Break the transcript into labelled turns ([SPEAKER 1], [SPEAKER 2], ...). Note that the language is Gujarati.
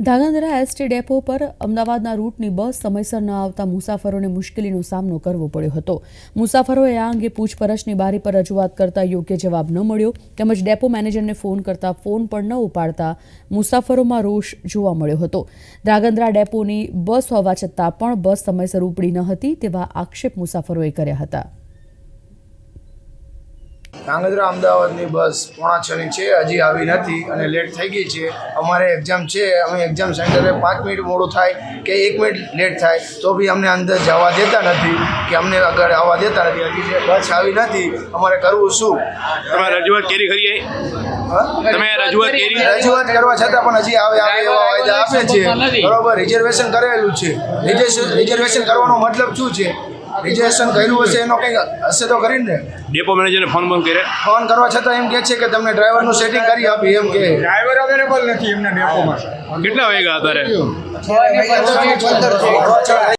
[SPEAKER 1] ધાંગધ્રા એસટી ડેપો પર અમદાવાદના રૂટની બસ સમયસર ન આવતા મુસાફરોને મુશ્કેલીનો સામનો કરવો પડ્યો હતો. મુસાફરોએ આ અંગે પૂછપરછની બારી પર રજૂઆત કરતા યોગ્ય જવાબ ન મળ્યો તેમજ ડેપો મેનેજરને ફોન કરતા ફોન પણ ન ઉપાડતા મુસાફરોમાં રોષ જોવા મળ્યો હતો. ધાંગધ્રા ડેપોની બસ હોવા છતાં પણ બસ સમયસર ઉપડી ન હતી તેવા આક્ષેપ મુસાફરોએ કર્યા હતા.
[SPEAKER 2] ધાંગધ્રા અમદાવાદની બસ 5:45 છે, હજી આવી નથી અને લેટ થઈ ગઈ છે. અમારે એક્ઝામ છે, અમે એક્ઝામ સેન્ટરે 5 મિનિટ મોડું થાય કે 1 મિનિટ લેટ થાય તો બી અમને અંદર જવા દેતા નથી કે અમને આગળ આવવા દેતા નથી. હજી બસ આવી નથી, અમારે કરવું શું?
[SPEAKER 3] તમે રજૂઆત કરી ખરી? તમે
[SPEAKER 2] રજૂઆત કરવા છતાં પણ હજી આવે એવા વાયદા આપે છે. બરોબર, રિઝર્વેશન કરેલું છે. રિઝર્વેશન કરવાનો મતલબ શું છે? રિઝર્વેશન કર્યું હશે એનો કંઈ હશે તો કરીને.
[SPEAKER 3] ડેપો મેનેજરને ફોન કરે,
[SPEAKER 2] ફોન કરવા છતાં એમ કહે છે કે તમને ડ્રાઈવરનું સેટિંગ કરી આપી. એમ કે
[SPEAKER 4] ડ્રાઈવર અવેલેબલ નથી એમના ડેપોમાં.
[SPEAKER 3] કેટલા વાગ્યા અત્યારે?
[SPEAKER 2] 6:15 થઈ